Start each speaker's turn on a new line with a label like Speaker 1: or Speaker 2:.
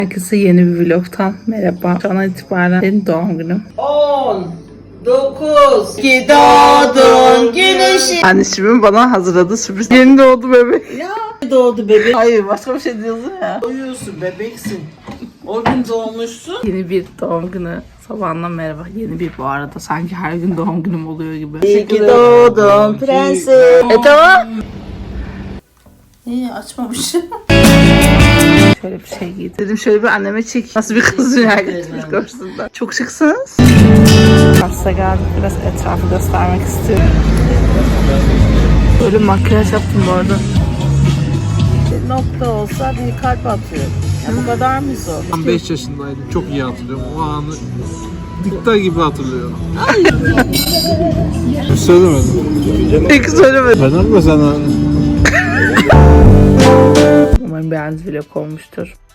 Speaker 1: Herkese yeni bir vlogtan merhaba. Şu an itibaren benim doğum günüm.
Speaker 2: 10, 9, ki doğdun güneşi.
Speaker 1: Anneciğimin bana hazırladığı sürpriz. Yeni doğdu bebek.
Speaker 2: Ya doğdu bebek.
Speaker 1: Hayır, başka bir şey diyorsun ya.
Speaker 2: Doğuyorsun, bebeksin. O gün doğmuşsun.
Speaker 1: Yeni bir doğum günü. Sabahından merhaba. Yeni bir bu arada. Sanki her gün doğum günüm oluyor gibi.
Speaker 2: İyi ki doğdun prenses.
Speaker 1: Tamam. İyi, açmamışım. Şöyle bir şey giydim. Dedim şöyle bir anneme çek. Nasıl bir kız dünyaya getirmiş görsünler. Çok şıksınız. Hasta geldik. Biraz etrafı göstermek istiyorum. Böyle makyaj yaptım bu arada.
Speaker 2: Bir nokta olsa bir kalp atıyor. Ya bu kadar mı zor?
Speaker 3: Ben 5 yaşındaydım. Çok iyi hatırlıyorum. O anı dikta gibi hatırlıyorum. Hiç söylemedim.
Speaker 1: Peki söylemedim.
Speaker 3: Ben ama sana...
Speaker 1: Umarım beğendiğiniz vlog olmuştur.